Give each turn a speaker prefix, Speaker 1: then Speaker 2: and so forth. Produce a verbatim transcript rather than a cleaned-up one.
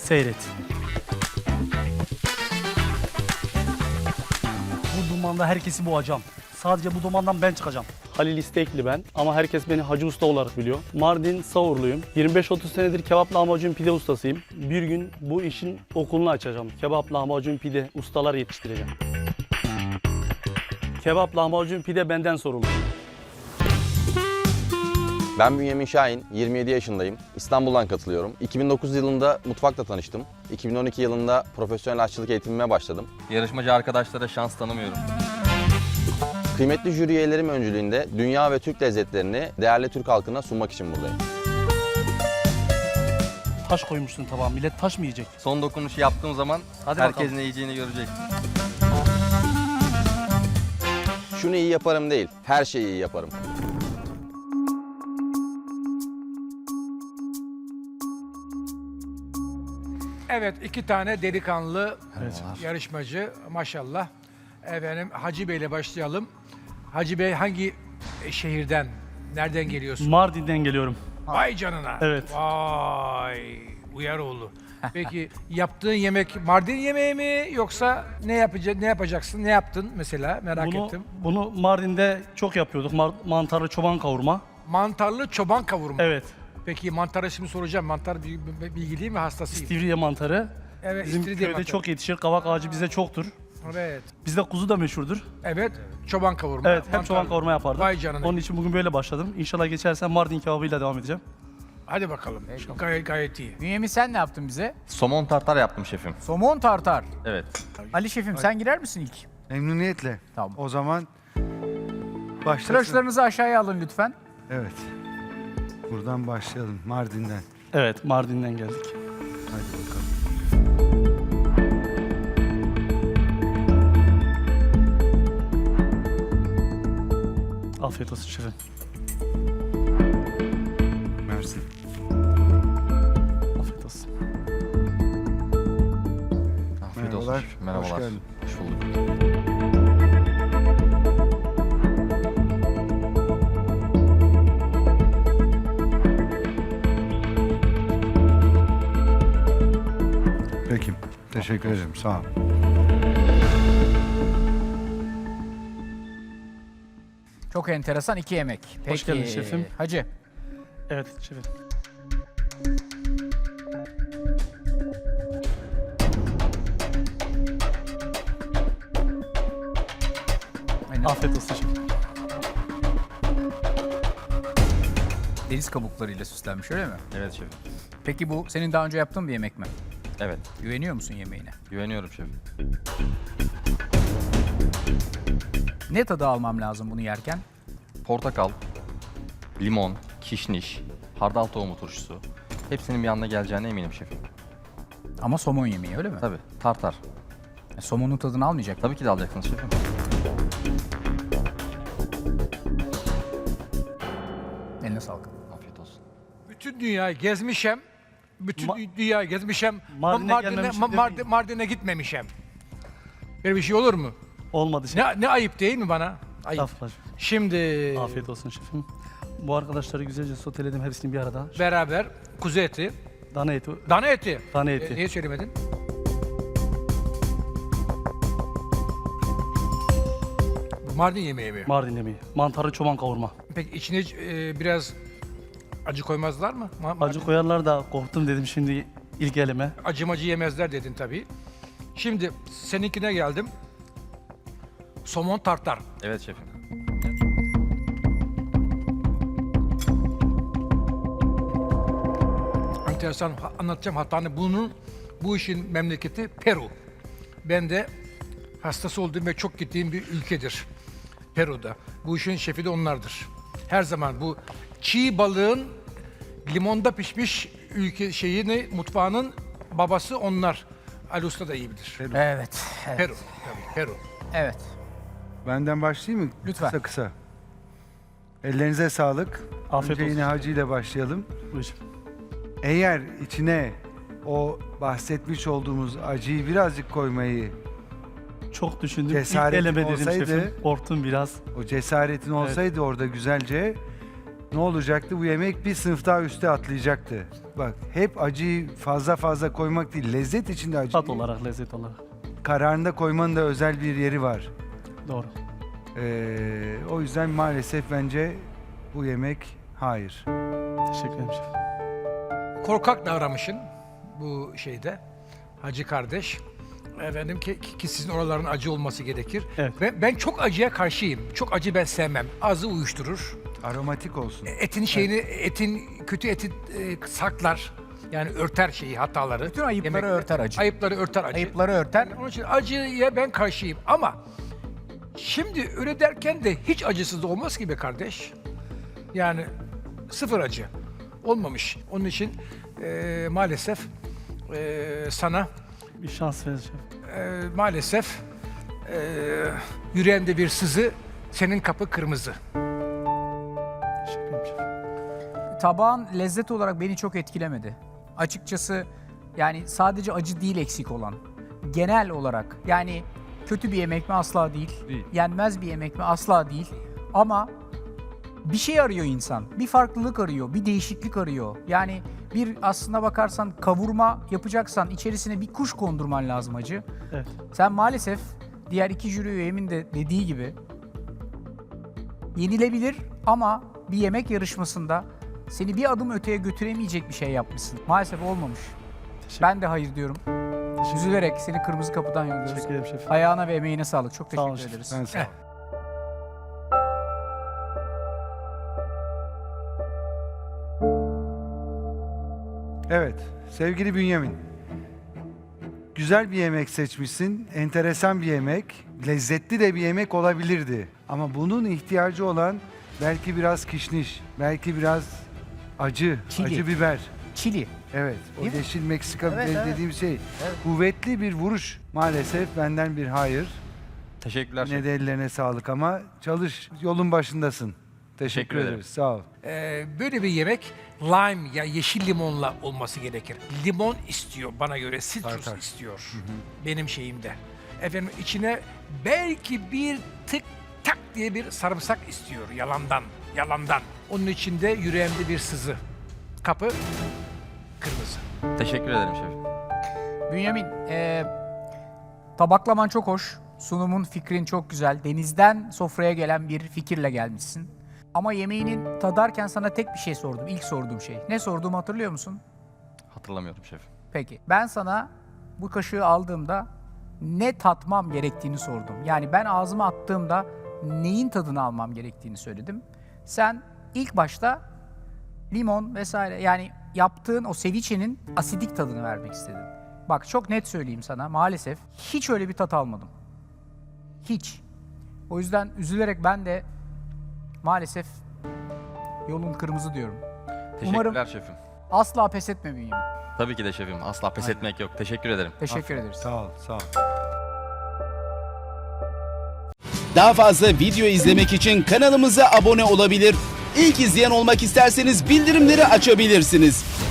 Speaker 1: Seyret. Bu dumanda herkesi boğacağım. Sadece bu dumandan ben çıkacağım. Halil İstekli ben ama herkes beni Hacı Usta olarak biliyor. Mardin Savurluyum. yirmi beş otuz senedir kebap lahmacun pide ustasıyım. Bir gün bu işin okulunu açacağım. Kebap lahmacun pide ustalar yetiştireceğim. Kebap lahmacun pide benden sorulur.
Speaker 2: Ben Bünyamin Şahin, yirmi yedi yaşındayım. İstanbul'dan katılıyorum. iki bin dokuz yılında mutfakla tanıştım. iki bin on iki yılında profesyonel aşçılık eğitimime başladım.
Speaker 3: Yarışmacı arkadaşlara şans tanımıyorum.
Speaker 2: Kıymetli jüri üyelerim öncülüğünde dünya ve Türk lezzetlerini değerli Türk halkına sunmak için buradayım.
Speaker 1: Taş koymuşsun tabağa. Millet taş mı yiyecek?
Speaker 3: Son dokunuşu yaptığım zaman
Speaker 1: Hadi
Speaker 3: herkes
Speaker 1: bakalım.
Speaker 3: ne yiyeceğini görecek.
Speaker 2: Şunu iyi yaparım değil, her şeyi iyi yaparım.
Speaker 4: Evet, iki tane delikanlı
Speaker 1: Evet.
Speaker 4: yarışmacı maşallah. Efendim Hacı Bey'le başlayalım. Hacı Bey hangi şehirden, nereden geliyorsun?
Speaker 1: Mardin'den geliyorum.
Speaker 4: Vay canına.
Speaker 1: Evet.
Speaker 4: Vay Uyaroğlu. Peki yaptığın yemek Mardin yemeği mi yoksa ne yapacaksın? Ne yapacaksın? Ne yaptın mesela? Merak
Speaker 1: Bunu,
Speaker 4: ettim.
Speaker 1: bunu Mardin'de çok yapıyorduk. Mar- mantarlı çoban kavurma.
Speaker 4: Mantarlı çoban kavurma.
Speaker 1: Evet.
Speaker 4: Peki mantarı şimdi soracağım. Mantar bil- bil- bilgi değil mi? Hastasıyım.
Speaker 1: İstivriye mantarı.
Speaker 4: Evet,
Speaker 1: Bizim
Speaker 4: istiridye
Speaker 1: köyde
Speaker 4: mantarı.
Speaker 1: çok yetişir. Kavak ağacı bizde çoktur.
Speaker 4: Evet.
Speaker 1: Bizde kuzu da meşhurdur.
Speaker 4: Evet. Çoban kavurma.
Speaker 1: Evet, hep
Speaker 4: mantarlı.
Speaker 1: çoban kavurma yapardık.
Speaker 4: Vay canına.
Speaker 1: Onun için bugün böyle başladım. İnşallah geçersem Mardin kebabıyla devam edeceğim.
Speaker 4: Hadi bakalım. Gayet, gayet iyi.
Speaker 5: Bünyamin sen ne yaptın bize?
Speaker 3: Somon tartar yaptım şefim.
Speaker 5: Somon tartar.
Speaker 3: Evet.
Speaker 5: Ali şefim sen girer misin ilk?
Speaker 6: Memnuniyetle.
Speaker 5: Tamam.
Speaker 6: O zaman başlasın.
Speaker 5: Tıraşlarınızı aşağıya alın lütfen.
Speaker 6: Evet. Buradan başlayalım. Mardin'den.
Speaker 1: Evet, Mardin'den geldik.
Speaker 6: Hadi bakalım.
Speaker 1: Afiyet olsun şefim.
Speaker 6: Mersin.
Speaker 1: Afiyet olsun.
Speaker 3: Afiyet olsun
Speaker 6: Merhabalar,
Speaker 3: şefim. Merhabalar.
Speaker 6: hoş geldin.
Speaker 3: Hoş bulduk.
Speaker 6: Peki. Teşekkür ederim. Sağ ol.
Speaker 5: Çok enteresan iki yemek. Peki.
Speaker 1: Hoş geldin şefim.
Speaker 5: Hacı.
Speaker 1: Evet şefim.
Speaker 5: Aynen.
Speaker 1: Afiyet olsun şefim.
Speaker 5: Deniz kabuklarıyla süslenmiş öyle mi?
Speaker 3: Evet şefim.
Speaker 5: Peki bu senin daha önce yaptığın bir yemek mi?
Speaker 3: Evet.
Speaker 5: Güveniyor musun yemeğine?
Speaker 3: Güveniyorum şefim.
Speaker 5: Ne tadı almam lazım bunu yerken?
Speaker 3: Portakal, limon, kişniş, hardal tohumu turşusu. Hepsinin bir anda geleceğine eminim şefim.
Speaker 5: Ama somon yemeği öyle mi?
Speaker 3: Tabii. Tartar.
Speaker 5: Yani somonun tadını almayacak.
Speaker 3: Tabii ki de alacaksınız şefim.
Speaker 5: Eline sağlık.
Speaker 3: Afiyet olsun.
Speaker 4: Bütün dünyayı gezmişem. Bütün
Speaker 1: Ma-
Speaker 4: dünyayı gezmişem.
Speaker 1: Mardin'e
Speaker 4: Mardin'e,
Speaker 1: gelmemişim
Speaker 4: Ma-
Speaker 1: demeyin.
Speaker 4: Mardin- Mardin'e gitmemişem. Böyle bir şey olur mu?
Speaker 1: Olmadı şefim.
Speaker 4: Ne, ne ayıp değil mi bana? Ayıp.
Speaker 1: Estağfurullah şefim.
Speaker 4: Şimdi
Speaker 1: Afiyet olsun şefim. Bu arkadaşları güzelce soteledim hepsini bir arada.
Speaker 4: beraber kuzu eti,
Speaker 1: Dana eti,
Speaker 4: dana eti.
Speaker 1: dana
Speaker 4: E,
Speaker 1: eti.
Speaker 4: niye söylemedin? Bu Mardin yemeği mi?
Speaker 1: Mardin yemeği. Mantarlı çoban kavurma.
Speaker 4: Peki içine e, biraz acı koymazlar mı? Ma-
Speaker 1: Acı
Speaker 4: Mardin-
Speaker 1: koyarlar da korktum dedim şimdi ilk elime.
Speaker 4: Acımacı yemezler dedin tabii. Şimdi seninkine geldim. Somon tartar.
Speaker 3: Evet şefim.
Speaker 4: Enteresan ha- anlatacağım hatanı. Bunun bu işin memleketi Peru. Ben de hastası olduğum ve çok gittiğim bir ülkedir. Peru'da. Bu işin şefi de onlardır. Her zaman bu çiğ balığın limonda pişmiş ülke şeyini mutfağının babası onlar. Ali Usta da iyi bilir.
Speaker 5: Evet. Evet.
Speaker 4: Peru. Tabii Peru.
Speaker 5: Evet.
Speaker 6: Benden başlayayım mı?
Speaker 5: Lütfen.
Speaker 6: Kısa kısa. Ellerinize sağlık.
Speaker 1: Afiyet
Speaker 6: Önce
Speaker 1: olsun.
Speaker 6: yine Hacı ile başlayalım.
Speaker 1: Buyur şefim.
Speaker 6: Eğer içine o bahsetmiş olduğumuz acıyı birazcık koymayı,
Speaker 1: Çok düşündüm.
Speaker 6: Cesaretin
Speaker 1: İlk eleme dedim
Speaker 6: olsaydı-
Speaker 1: şefim. Korktum biraz.
Speaker 6: o cesaretin olsaydı orada güzelce ne olacaktı? Bu yemek bir sınıf daha üste atlayacaktı. Bak hep acıyı fazla fazla koymak değil, lezzet içinde acı.
Speaker 1: Tat olarak, lezzet olarak.
Speaker 6: Kararında koymanın da özel bir yeri var.
Speaker 1: Doğru.
Speaker 6: Ee, o yüzden maalesef bence bu yemek hayır.
Speaker 1: Teşekkür ederim şef.
Speaker 4: Korkak davranmışsın bu şeyde hacı kardeş. Efendim ki, ki sizin oraların acı olması gerekir.
Speaker 1: Evet.
Speaker 4: Ben, ben çok acıya karşıyım. Çok acı ben sevmem. Ağzı uyuşturur.
Speaker 6: Aromatik olsun.
Speaker 4: Etin şeyini, etin kötü eti e, saklar. Yani örter şeyi, hataları.
Speaker 5: Bütün ayıpları
Speaker 4: Yemekte.
Speaker 5: örter acı.
Speaker 4: Ayıpları örter acı.
Speaker 5: Ayıpları örter.
Speaker 4: Yani onun için acıya ben karşıyım ama şimdi öyle derken de hiç acısız da olmaz ki be kardeş. Yani sıfır acı. Olmamış. Onun için e, maalesef e, sana
Speaker 1: Bir şans verin şef.
Speaker 4: e, maalesef e, yüreğinde bir sızı, senin kapı kırmızı.
Speaker 1: Teşekkür ederim şef.
Speaker 5: Tabağın lezzet olarak beni çok etkilemedi. Açıkçası yani sadece acı değil eksik olan. Genel olarak yani kötü bir yemek mi asla değil.
Speaker 6: Değil.
Speaker 5: Yenmez bir yemek mi asla değil. Ama bir şey arıyor insan. Bir farklılık arıyor, bir değişiklik arıyor. Yani bir aslına bakarsan kavurma yapacaksan içerisine bir kuş kondurman lazım acı.
Speaker 1: Evet.
Speaker 5: Sen maalesef diğer iki jüri üyemin de dediği gibi yenilebilir ama bir yemek yarışmasında seni bir adım öteye götüremeyecek bir şey yapmışsın. Maalesef olmamış.
Speaker 1: Teşekkür,
Speaker 5: Ben de hayır diyorum. Üzülerek seni kırmızı kapıdan yolluyoruz.
Speaker 1: teşekkür ederim şef.
Speaker 5: Ayağına ve emeğine sağlık. Çok
Speaker 1: Sağ olun
Speaker 5: teşekkür
Speaker 1: şef.
Speaker 5: ederiz.
Speaker 6: Ben sağ ol. Evet, sevgili Bünyamin. Güzel bir yemek seçmişsin, enteresan bir yemek, lezzetli de bir yemek olabilirdi. Ama bunun ihtiyacı olan belki biraz kişniş, belki biraz acı,
Speaker 5: Çili.
Speaker 6: acı biber.
Speaker 5: Çili.
Speaker 6: Evet, o
Speaker 5: Değil mi?
Speaker 6: yeşil Meksika
Speaker 5: Evet,
Speaker 6: biberi
Speaker 5: evet.
Speaker 6: dediğim şey. Kuvvetli bir vuruş. Maalesef benden bir hayır.
Speaker 3: Teşekkürler
Speaker 6: Yine
Speaker 3: şef.
Speaker 6: de ellerine sağlık ama çalış, yolun başındasın. Teşekkür,
Speaker 3: Teşekkür ederim.
Speaker 6: ederiz, sağ ol.
Speaker 4: Ee, böyle bir yemek lime ya yeşil limonla olması gerekir. Limon istiyor bana göre, citrus
Speaker 6: Artar.
Speaker 4: istiyor benim şeyimde. Efendim içine belki bir tık tak diye bir sarımsak istiyor yalandan, yalandan. Onun içinde yüreğimde bir sızı. Kapı kırmızı.
Speaker 3: Teşekkür ederim şef.
Speaker 5: Bünyamin, eee, tabaklaman çok hoş. Sunumun, fikrin çok güzel. Denizden sofraya gelen bir fikirle gelmişsin. Ama yemeğinin tadarken sana tek bir şey sordum. İlk sorduğum şey. Ne sorduğumu hatırlıyor musun?
Speaker 3: Hatırlamıyorum şef.
Speaker 5: Peki. Ben sana bu kaşığı aldığımda ne tatmam gerektiğini sordum. Yani ben ağzıma attığımda neyin tadını almam gerektiğini söyledim. Sen ilk başta limon vesaire yani yaptığın o ceviche'nin asidik tadını vermek istedin. Bak çok net söyleyeyim sana maalesef hiç öyle bir tat almadım. Hiç. O yüzden üzülerek ben de maalesef yolun kırmızı diyorum.
Speaker 3: Teşekkürler
Speaker 5: Umarım-
Speaker 3: şefim.
Speaker 5: Asla pes etme Bünyamin.
Speaker 3: Tabii ki de şefim. Asla pes etmek yok. Teşekkür ederim.
Speaker 5: Teşekkür
Speaker 6: Aferin,
Speaker 5: ederiz.
Speaker 6: Sağ ol, sağ ol.
Speaker 7: Daha fazla video izlemek için kanalımıza abone olabilir. İlk izleyen olmak isterseniz bildirimleri açabilirsiniz.